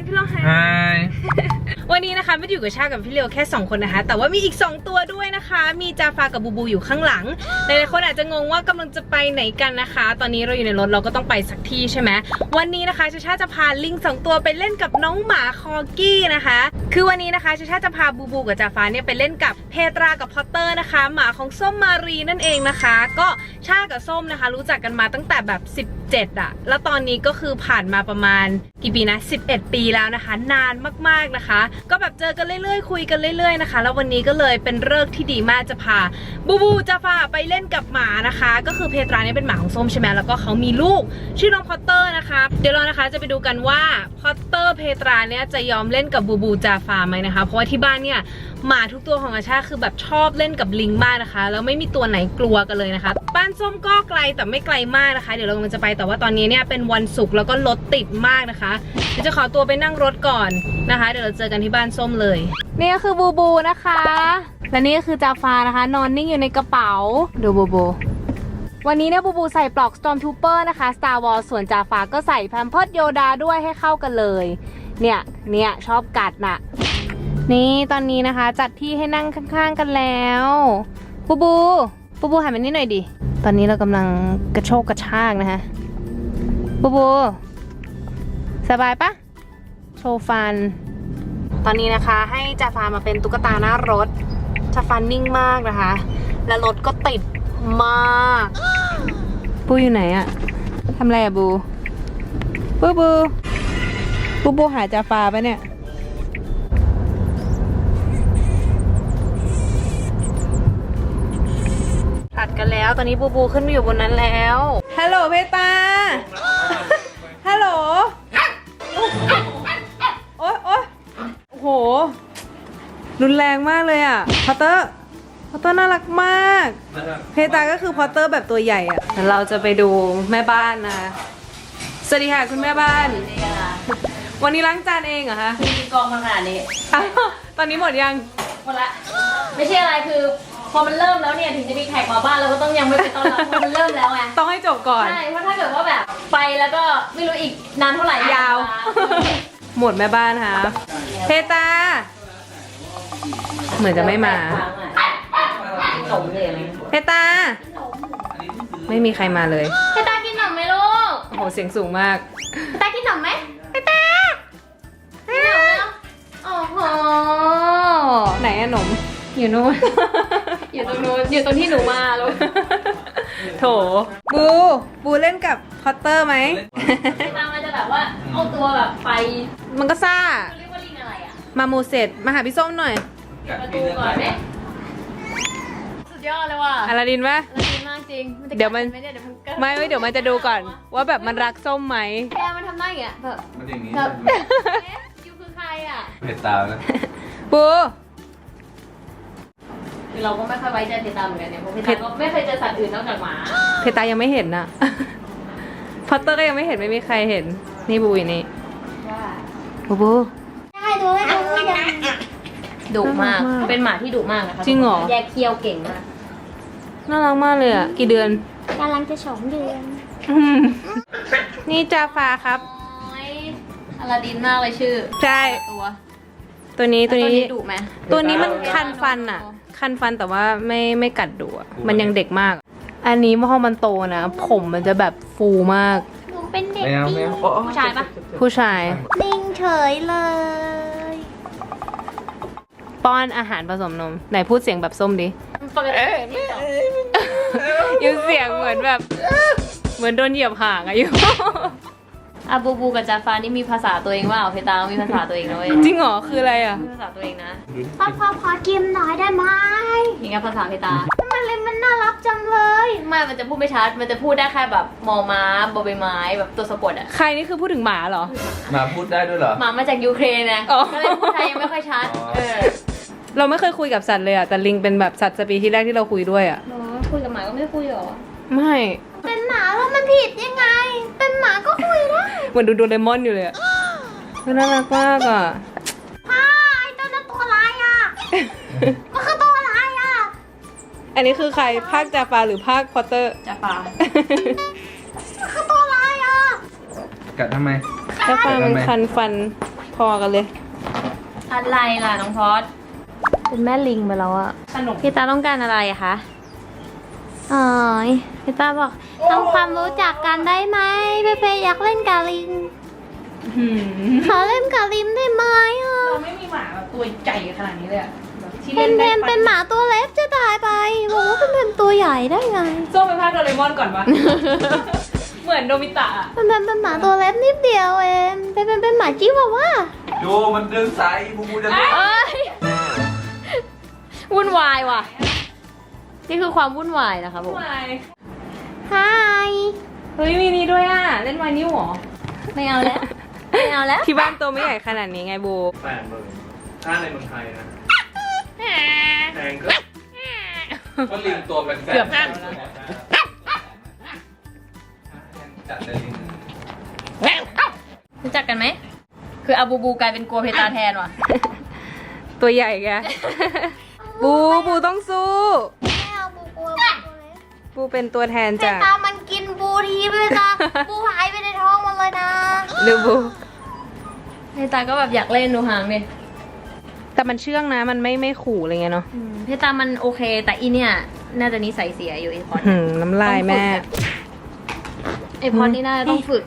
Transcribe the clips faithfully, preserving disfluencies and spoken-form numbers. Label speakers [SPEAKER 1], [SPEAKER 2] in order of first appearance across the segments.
[SPEAKER 1] พี่โลไฮ
[SPEAKER 2] Hi
[SPEAKER 1] วันนี้นะคะไม่ได้อยู่กับชากับพี่เลียวแค่สองคนนะคะแต่ว่ามีอีกสองตัวด้วยนะคะมีจาฟากับบูบูอยู่ข้างหลังหลายๆคนอาจจะงงว่ากำลังจะไปไหนกันนะคะตอนนี้เราอยู่ในรถเราก็ต้องไปสักที่ใช่ไหมวันนี้นะคะชาชาจะพาลิงสองตัวไปเล่นกับน้องหมาคอกี้นะคะคือวันนี้นะคะชาชาจะพาบูบูกับจาฟาเนี่ยไปเล่นกับเพตรากับพอตเตอร์นะคะหมาของส้มมารีนั่นเองนะคะก็ชากับส้มนะคะรู้จักกันมาตั้งแต่แบบสิบเจ็ดอะแล้วตอนนี้ก็คือผ่านมาประมาณกี่ปีนะสิบเอ็ดปีแล้วนะคะนานมากๆนะคะก็แบบเจอกันเรื่อยๆคุยกันเรื่อยๆนะคะแล้ววันนี้ก็เลยเป็นฤกษ์ที่ดีมากจะพาบูบูจาฟาไปเล่นกับหมานะคะก็คือเพตราเนี่ยเป็นหมาของส้มใช่ไหมแล้วก็เขามีลูกชื่อน้องพอตเตอร์นะคะเดี๋ยวเรานะคะจะไปดูกันว่าพอตเตอร์เพตราเนี่ยจะยอมเล่นกับบูบูจาฟาไหมนะคะเพราะว่าที่บ้านเนี่ยหมาทุกตัวของอาชาคือแบบชอบเล่นกับลิงมากนะคะแล้วไม่มีตัวไหนกลัวกันเลยนะคะบ้านส้มก็ไกลแต่ไม่ไกลมากนะคะเดี๋ยวเรากำลังจะไปแต่ว่าตอนนี้เนี่ยเป็นวันศุกร์แล้วก็รถติดมากนะคะเดี๋ยวจะขอตัวไปนั่งรถก่อนนะคะเดี๋ยวเราเจอกันที่บ้านส้มเลยนี่ก็คือบูบูนะคะและนี่ก็คือจาฟานะคะนอนนิ่งอยู่ในกระเป๋าดูบูบูวันนี้เนี่ยบูบูใส่ปลอก Stormtrooper นะคะ Star Wars ส่วนจาฟาก็ใส่แพมเพิร์สโยดาด้วยให้เข้ากันเลยเนี่ยเนี่ยชอบกัดน่ะนี่ตอนนี้นะคะจัดที่ให้นั่งข้างๆกันแล้วบูบูบูบูหันมานี่หน่อยดิตอนนี้เรากำลังกระโชกกระชากนะคะบูบูสบายปะโชว์ฟันตอนนี้นะคะให้จาฟามาเป็นตุ๊กตาหน้ารถจาฟานิ่งมากนะคะและรถก็ติดมากบูอยู่ไหนอะทำอะไรอะบูบูบูบูบูหาจาฟาปะเนี่ยตัดกันแล้วตอนนี้บูบูขึ้นมาอยู่บนนั้นแล้วฮัลโหลเพตาฮัลโหลโอ๊ยโอ๊ยโอ้โหรุนแรงมากเลยอ่ะพอตเตอร์พอตเตอร์น่ารักมากเพตาก็คือพอตเตอร์แบบตัวใหญ่อ่ะเราจะไปดูแม่บ้านนะสวัสดีค่ะคุณแม่บ้านวันนี้ล้างจานเองเหรอคะ
[SPEAKER 3] มีกองมาขนาดนี้
[SPEAKER 1] ตอนนี้หมดยัง
[SPEAKER 3] หมดละไม่ใช่อะไรคือพอมันเริ่มแล้วเนี่ยถึงจะมีแขกมาบ้านเราก็ต้องยังไม่ไปต้อนรับเพราะมันเริ่มแล้วไง
[SPEAKER 1] ต้องให้จบก่อน
[SPEAKER 3] ใช่เพราะถ้าเกิดว่าแบบไปแล้วก็ไม่รู้อีกนานเท่าไหร่
[SPEAKER 1] ยาวหมดแม่บ้านค่ะเพตาเหมือนจะไม่มา
[SPEAKER 3] ขนมเลยไหม
[SPEAKER 1] เพตาไม่มีใครมาเลย
[SPEAKER 3] เพตากินขนมไหมลูก
[SPEAKER 1] โอ้โหเสียงสูงมาก
[SPEAKER 3] เพตากินขนมไหมเพตากินขนมแล้วโอ้โห
[SPEAKER 1] ไหนอะขนม
[SPEAKER 3] อยู่นู้นอยู่ตรงนู้นอยู่ตรงที่หนูมาลูก
[SPEAKER 1] โถบูบูเล่นกับพอตเตอร์ไหม
[SPEAKER 3] เพตามันจะแบบว่าเอาตัวแบบไป
[SPEAKER 1] มันก็ซ่า
[SPEAKER 3] เรียกว่าลิงอะไรอะ
[SPEAKER 1] มาโมเสสมาหาพี่ส้มหน่อย
[SPEAKER 3] ประตูก่อนเนี่ยสุดยอดเลยว่ะ
[SPEAKER 1] อลาดินปะ
[SPEAKER 3] อลาดินมากจริง
[SPEAKER 1] เดี๋ยวมันไม่ไม่เดี๋ยวมันจะดูก่อนว่าแบบมันรักส้มไหม
[SPEAKER 3] แกมันทำได้อย่างเงี้ยแบบ
[SPEAKER 2] มันอย่างนี้
[SPEAKER 3] แบบยูคือใครอ่ะ
[SPEAKER 2] เพตานะ
[SPEAKER 1] บู
[SPEAKER 3] คือเราก็ไม่ค่อยไว้ใจเพตาเหมือนกันเนี่ยเพราะเพตาก็ไม่เคยเจอสัตว์อื่นนอกจากหมา
[SPEAKER 1] เพตายังไม่เห็นนะพอตเตอร์ก็ยังไม่เห็นไม่มีใครเห็นนี่บูนี่บูบู
[SPEAKER 3] ได้ดูได้ดูดุมากเป็นหมาที่ดุมากนะคะ
[SPEAKER 1] จริงเหรอ
[SPEAKER 3] แยกเคี้ยวเก่งมาก
[SPEAKER 1] น่ารักมากเลยอ่ะกี่เดือน
[SPEAKER 3] กำลังจะสองเดือน
[SPEAKER 1] นี่จาฟาครับ
[SPEAKER 3] อลาดินมากเลยชื่อ
[SPEAKER 1] ใช่
[SPEAKER 3] ตัว
[SPEAKER 1] ตัวนี้ตัวนี้
[SPEAKER 3] ดุไหม
[SPEAKER 1] ตัวนี้มันคันฟันอ่ะคันฟันแต่ว่าไม่ไม่กัดดุอ่ะมันยังเด็กมากอันนี้พอมันโตนะผมมันจะแบบฟูมาก
[SPEAKER 3] หนูเป็นเด็กจริงผู้ชายปะ
[SPEAKER 1] ผู้ชาย
[SPEAKER 3] นิ่งเฉยเลย
[SPEAKER 1] ป้อนอาหารผสมนมไหนพูดเสียงแบบส้มดิยูเสียงเหมือนแบบเหมือนโดนเหยียบห่างอะยู
[SPEAKER 3] อาบูบูกับจาฟานี่มีภาษาตัวเองว่าเพตามีภาษาตัวเองนะเว้ย
[SPEAKER 1] จริงเหรอคืออะไรอ่ะ
[SPEAKER 3] ภาษาตัวเองนะพ่อพ่อขอกินหน่อยได้ไหมอย่างเงี้ยภาษาเพตามันเลยมันน่ารักจังเลยไม่มันจะพูดไม่ชัดมันจะพูดได้แค่แบบมอม้าบอใบไม้แบบตัวสะกดอ่ะ
[SPEAKER 1] ใครนี่คือพูดถึงหมาเหรอ
[SPEAKER 2] หมาพูดได้ด้วยเหรอ
[SPEAKER 3] หมามาจากยูเครนนะก็เลยพูดไทยยังไม่ค่อยชัดเออ
[SPEAKER 1] เราไม่เคยคุยกับสัตว์เลยอ่ะแต่ลิงเป็นแบบสัตว์สปีชีส์แรกที่เราคุยด้วยอ่ะ
[SPEAKER 3] คุยกับหมาก็ไม่ได้คุยหรอ
[SPEAKER 1] ไม่
[SPEAKER 3] เป็นหมาแล้วมันผิดยังไงเป็นหมาก็คุยได้
[SPEAKER 1] เหมือนดูโดเรมอนอยู่เลยอ่ะน่ารักมากอ่ะ
[SPEAKER 3] พ่อไอ้ตัวนั้นตัวอะไรอ่ะมันคือตัวอะไรอ่ะ
[SPEAKER 1] อันนี้คือใครภาคจาฟาหรือภาคพอตเตอร์
[SPEAKER 3] จาฟามันคือตัวอะไรอ่ะ
[SPEAKER 2] กัดทำไม
[SPEAKER 1] จาฟามันคันฟันพอกันเลย
[SPEAKER 3] อะไรล่ะน้องพอดเป็นแม่ลิงไปแล้วอะ
[SPEAKER 1] ขนม
[SPEAKER 3] พี่ตาต้องการอะไรอะคะอ๋อยพี่ตาบอกทำความรู้จักกันได้ไหมเปเปอยากเล่นกาลิง
[SPEAKER 1] หืม
[SPEAKER 3] ขอเล่นกาลิงได้ไหมอ่ะ
[SPEAKER 1] เราไม่มีหมาแบบตัวใหญ่ขนาดนี้เลยอะแบบที่
[SPEAKER 3] เพ
[SPEAKER 1] เล่
[SPEAKER 3] น
[SPEAKER 1] น
[SPEAKER 3] เพ
[SPEAKER 1] ได้
[SPEAKER 3] นเป็นหมาตัวเล็กจะตายไปบอกว่าเป็นเพนตัวใหญ่ได้ไง
[SPEAKER 1] โซ่ไปพากย์โดเรมอนก่อนปะ เหมือนโนบิตะอะ
[SPEAKER 3] เป็นเพนเป็นหมาตัวเล็กนิดเดียวเองเป็นเพนเป็นหมาจิ้วว่า
[SPEAKER 2] ดูมันดึงสายบูบูจะดึง
[SPEAKER 3] เอ้ยวุ่นวายว่ะ นี่คือความวุ่นวายนะคะผม
[SPEAKER 1] ทำไม
[SPEAKER 3] ฮาย
[SPEAKER 1] เฮ้ยมีนี่ด้วยอ่ะ เล่นไวนิ้วเหรอ
[SPEAKER 3] ไม่เอาแล้วไม่เอาแล้ว
[SPEAKER 1] ที่บ้านตัวไม่ใหญ่ขนาดนี้ไงโบ
[SPEAKER 4] แปดหมื่นถ้าในเมืองไทยนะแพงก็
[SPEAKER 2] ก็ลิงตัวเป็นแสน
[SPEAKER 1] เกือบห้า
[SPEAKER 2] จัดเลยลิง
[SPEAKER 3] รู้จักกันไหมคืออาบูบูกลายเป็นกลัวเพตาแทนว่ะ
[SPEAKER 1] ตัวใหญ่แก บูบูต้องสู้
[SPEAKER 3] ไม่เอาบูกลัวบูตัวเล็ก
[SPEAKER 1] บูเป็นตัวแทน
[SPEAKER 3] เพ
[SPEAKER 1] จาก
[SPEAKER 3] ตามันกินบูทีไปเลยค่ะบูหายไปในท้องมันเลยนะ
[SPEAKER 1] ดูบู
[SPEAKER 3] เพตาก็แบบอยากเล่นดูหางดิ
[SPEAKER 1] แต่มันเชื่องนะ มันไม่ไม่ขู่อะไรเงี้ยเนาะ
[SPEAKER 3] เพตามันโอเค แต่อีเนี่ยน่าจะนิสัยเสียอยู่ไอพอด
[SPEAKER 1] หืมน้ำลายแม่
[SPEAKER 3] ไอพอดนี่น่าจะต้องฝึก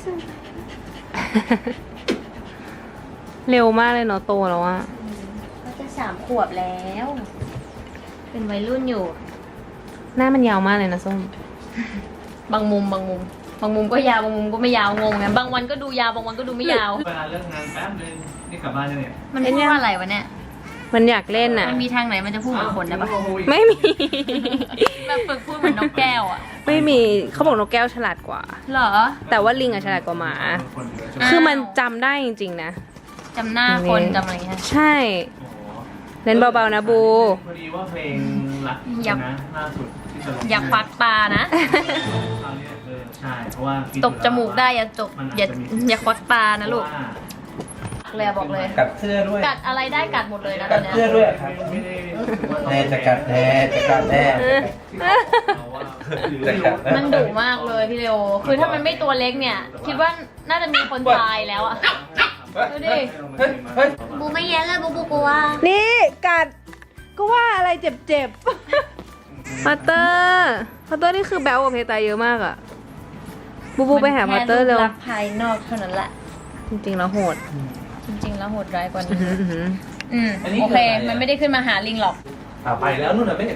[SPEAKER 1] เร็วมากเลยเนาะโตแล้วอะ
[SPEAKER 3] เขาจะสามขวบแล้ว เป็นวัยรุ่นอยู่
[SPEAKER 1] หน้ามันยาวมากเลยนะส้ม
[SPEAKER 3] บางมุมบางมุม บางมุมก็ยาวบางมุมก็ไม่ยาวงงไงบางวันก็ดูยาวบางวันก็ดูไม่ยาว
[SPEAKER 4] เวลาเลิกงานแป๊บนึงนี่กลับบ้านยังเนี่ย
[SPEAKER 3] มันพูดว่าอะไรวะเนี่ย
[SPEAKER 1] มันอยากเล่นอะ
[SPEAKER 3] มันมีทางไหนมันจะพูดเหมือนคนได้ปะ
[SPEAKER 1] ไม่มี
[SPEAKER 3] แบบฝึกพูดเหมือนนกแก้วอ่ะ
[SPEAKER 1] ไม่มีเขาบอกนกแก้วฉลาดกว่า
[SPEAKER 3] เหรอ
[SPEAKER 1] แต่ว่าลิงอะฉลาดกว่าหมา
[SPEAKER 4] คนเยอะใช่ไหม
[SPEAKER 3] อ้าว
[SPEAKER 1] คือมันจำได้จริงๆนะ
[SPEAKER 3] จำหน้าคนจำอะไรเงี้ย
[SPEAKER 1] ใช่
[SPEAKER 4] โอ้โห
[SPEAKER 1] เล่นเบาๆนะบู
[SPEAKER 4] พอดีว่าเพลงรัก
[SPEAKER 3] อยาก
[SPEAKER 4] นะล่าสุดที่จะลง
[SPEAKER 3] อยากควักตานะ
[SPEAKER 4] คราวนี้เออใช่เพราะว่าคิ
[SPEAKER 3] ตกจมูกได้อย่าตก
[SPEAKER 4] มันจ
[SPEAKER 3] อย่า
[SPEAKER 4] จะมี
[SPEAKER 3] อย่าควักตานะลูก
[SPEAKER 4] เพราว่า
[SPEAKER 3] เลยบอกเลย
[SPEAKER 2] กัดเสื้อด้วย
[SPEAKER 3] กัดอะไรได้กัดหมดเลยนะต
[SPEAKER 2] กั
[SPEAKER 3] อ
[SPEAKER 2] ด
[SPEAKER 3] นเนี้ย
[SPEAKER 2] เสื้อด้วยครับ
[SPEAKER 4] ไม่ได้รู้สึกว่าเรา
[SPEAKER 2] แน่จะกัดแน่จะกัดแน่
[SPEAKER 4] เราว่า
[SPEAKER 2] จะกัดแน่
[SPEAKER 3] มันดุมากเลยพี่เลโอคือถ้ามันไม่ตัวเล็กเนี่ย คิดว่าน่าจะมีคนตายแล้วอ่ะ ดูดิ
[SPEAKER 2] เฮ้ยเฮ้ย
[SPEAKER 3] บูไม่เย็นเลยบูบูกลัว
[SPEAKER 1] นี่กัดก็ว่าอะไรเจ็บๆพัตเตอร์พัตเตอร์นี่คือแบลกับเพตาเยอะมากอะบูบูไปหาพัตเตอร์เร็ว
[SPEAKER 3] แค่ปลักษณ์ภายนอกเท่านั้นแหละ
[SPEAKER 1] จริงๆแล้วโหด
[SPEAKER 3] จริงๆแล้วโหดร้ายกว่า
[SPEAKER 1] อื้
[SPEAKER 3] นี้
[SPEAKER 1] อหืออื้อหือ
[SPEAKER 3] อืม
[SPEAKER 2] อันนี้
[SPEAKER 3] โอเค
[SPEAKER 2] คืออะไรอะ
[SPEAKER 3] มันไม่ได้ขึ้นมาหาลิงหรอก
[SPEAKER 2] อ่ะไปแล้วนู่นน่ะไม่เห็น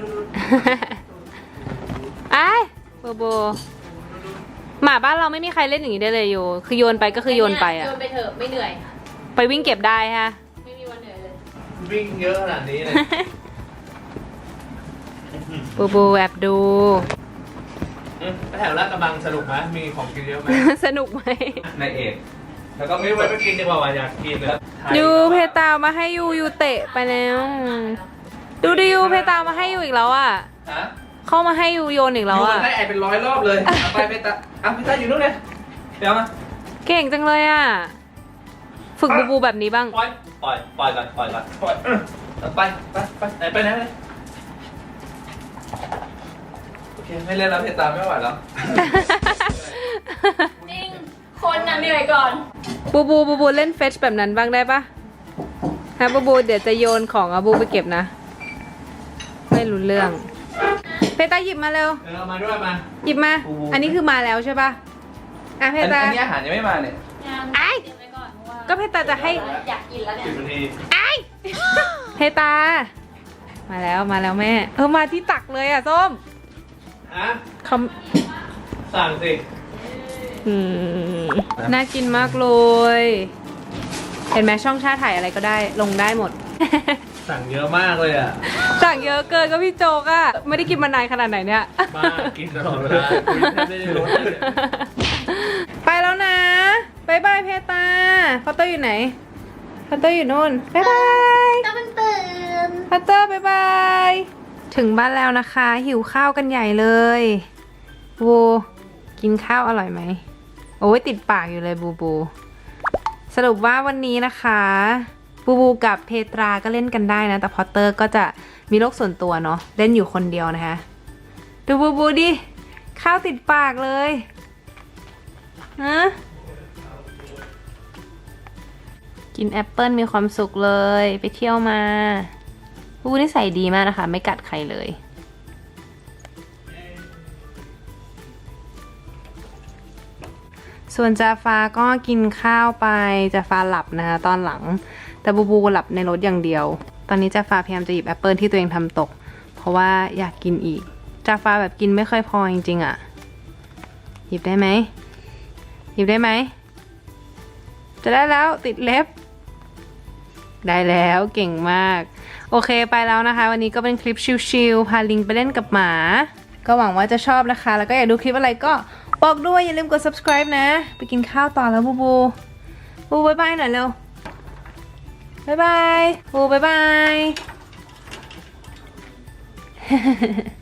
[SPEAKER 1] ไอ้บูบูหมาบ้านเราไม่มีใครเล่นอย่างนี้ได้เลยโยคือโยนไปก็คือโยนไปอะ
[SPEAKER 3] โยนไปเถอะไม่เหนื่อย
[SPEAKER 1] ไปวิ่งเก็บได้ฮะ
[SPEAKER 3] ไม่มีวันเหนื่อยเลย
[SPEAKER 4] วิ่งเยอะขนาดนี้เลย
[SPEAKER 1] บูบูแอบดู
[SPEAKER 4] อืมไปแถวลาดกระบังสนุกไหมมีของกินเยอะไหม
[SPEAKER 1] สนุกไหม
[SPEAKER 2] ในเอกแล้วก็
[SPEAKER 4] ไม่
[SPEAKER 2] ไม่
[SPEAKER 4] ไว้
[SPEAKER 2] ไว้
[SPEAKER 4] ไปกินดีกว่าว่ะอยากกินเลย
[SPEAKER 1] ยูเพตามาให้ยูยูเตะไปแล้ว ดูดิยูเพตามาให้ยูอีกแล้วอ่ะ
[SPEAKER 2] ฮะ
[SPEAKER 1] เข้ามาให้ยูโยนอีก
[SPEAKER 2] อ
[SPEAKER 1] แล้ว
[SPEAKER 2] ยู่
[SPEAKER 1] อ่ะ
[SPEAKER 2] ได้ไอเป็นร้อยรอบเลยเอาไปไปตาอ่ะพี่ตาอยู่นู่นเลยเดี๋ยวมา
[SPEAKER 1] เก่งจังเลยอ่ะ ฝึกบูบูแบบนี้บ้าง
[SPEAKER 2] ปล่อยปล่อยปล่อยก่อนปล่อยก่อนปล่อยเอาไปไปไปไหนไปไหนเลยโอเคไม่เล่นแล้วเพตาไม่ไหวแล้ว
[SPEAKER 3] นิ่ง คนน่ะเหนื่อยก่อน
[SPEAKER 1] บูบูบูบูเล่นเฟชแบบนั้นบ้างได้ปะฮะบูบูเดี๋ยวจะโยนของอะบูไปเก็บนะ ไม่รู้เรื่อง เพตาหยิบมาเร็ว
[SPEAKER 4] เออมาด้วยมา
[SPEAKER 1] หยิบมา อันนี้คือมาแล้วใช่ปะอ่ะเพ
[SPEAKER 2] อัน
[SPEAKER 1] ตา
[SPEAKER 2] อันนี้อาหารยังไม่มาเนี่ย
[SPEAKER 1] ไอ้
[SPEAKER 3] เก็บไว้ก่อนเพราะว่า
[SPEAKER 1] ก็เพตาจะให้
[SPEAKER 3] อยากกินแล้วเนี่ย
[SPEAKER 4] สิบนาที
[SPEAKER 1] ไอ้เพตา มาแล้วมาแล้วแม่ เออมาที่ตักเลยอ่ะส้ม
[SPEAKER 4] อ่ะ
[SPEAKER 1] เขา
[SPEAKER 4] สั่งสิ
[SPEAKER 1] อืมน่ากินมากเลย เห็นไหมช่องชาถ่ายอะไรก็ได้ลงได้หมด
[SPEAKER 4] สั่งเยอะมากเลยอ่ะ
[SPEAKER 1] สั่งเยอะเกินก็พี่โจกอะไม่ได้กินมานานขนาดไหนเนี่ย
[SPEAKER 4] บ้ากินตลอดเวลาคุยแทบไม่ได้ลดเลยเนี่ย
[SPEAKER 1] ไปแล้วนะบายบายเพตาพัตเตอร์อยู่ไหนพัตเตอร์อยู่นู่นบายบาย
[SPEAKER 3] ต้องมันตื่น
[SPEAKER 1] พัตเตอร์บายบายถึงบ้านแล้วนะคะ หิวข้าวกันใหญ่เลยบูกินข้าวอร่อยไหมโอ้ยติดปากอยู่เลยบูบูสรุปว่าวันนี้นะคะบูบูกับเพตราก็เล่นกันได้นะแต่พอตเตอร์ก็จะมีโลกส่วนตัวเนาะเล่นอยู่คนเดียวนะคะดูบูบูดิข้าวติดปากเลยฮะกินแอปเปิลมีความสุขเลยไปเที่ยวมาบูบูนิสัยดีมากนะคะ ไม่กัดใครเลย ส่วนจาฟาก็กินข้าวไปจาฟาหลับนะคะตอนหลังแต่บูบูหลับในรถอย่างเดียว ตอนนี้จาฟาพยายามจะหยิบแอปเปิลที่ตัวเองทำตกเพราะว่าอยากกินอีกจาฟาแบบกินไม่ค่อยพอจริงๆอะหยิบได้ไหมหยิบได้ไหมจะได้แล้วติดเล็บได้แล้วเก่งมากโอเคไปแล้วนะคะวันนี้ก็เป็นคลิปชิลๆพาลิงไปเล่นกับหมาก็หวังว่าจะชอบนะคะแล้วก็อยากดูคลิปอะไรก็บอกด้วยอย่าลืมกด subscribe นะไปกินข้าวต่อแล้วบูบูบูบายบายหน่อยเร็วบายบายบูบายบาย